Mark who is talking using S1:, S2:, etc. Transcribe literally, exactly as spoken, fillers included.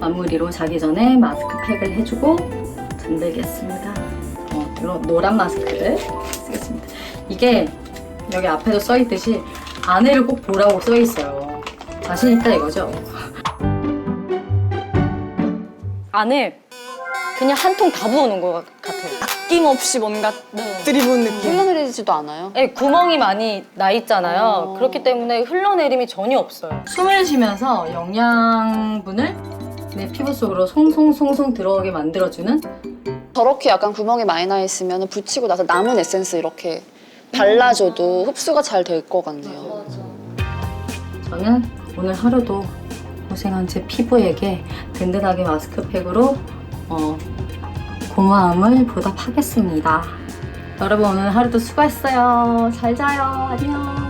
S1: 마무리로 자기 전에 마스크팩을 해주고 잠들겠습니다. 어, 이런 노란 마스크를 쓰겠습니다. 이게 여기 앞에도 써있듯이 안에를 꼭 보라고 써있어요. 자신 있다 이거죠?
S2: 안에 그냥 한 통 다 부어놓은 것 같아요. 아낌없이 뭔가 들이부은 느낌.
S3: 흘러내리지도 않아요?
S2: 네, 구멍이 많이 나 있잖아요.
S3: 어.
S2: 그렇기 때문에 흘러내림이 전혀 없어요.
S1: 숨을 쉬면서 영양분을 내 피부 속으로 송송송송 들어오게 만들어주는
S3: 저렇게 약간 구멍이 많이 나 있으면 붙이고 나서 남은 에센스 이렇게 발라줘도 흡수가 잘 될 것 같네요.
S1: 저는 오늘 하루도 고생한 제 피부에게 든든하게 마스크팩으로 어, 고마움을 보답하겠습니다. 여러분 오늘 하루도 수고했어요. 잘 자요. 안녕.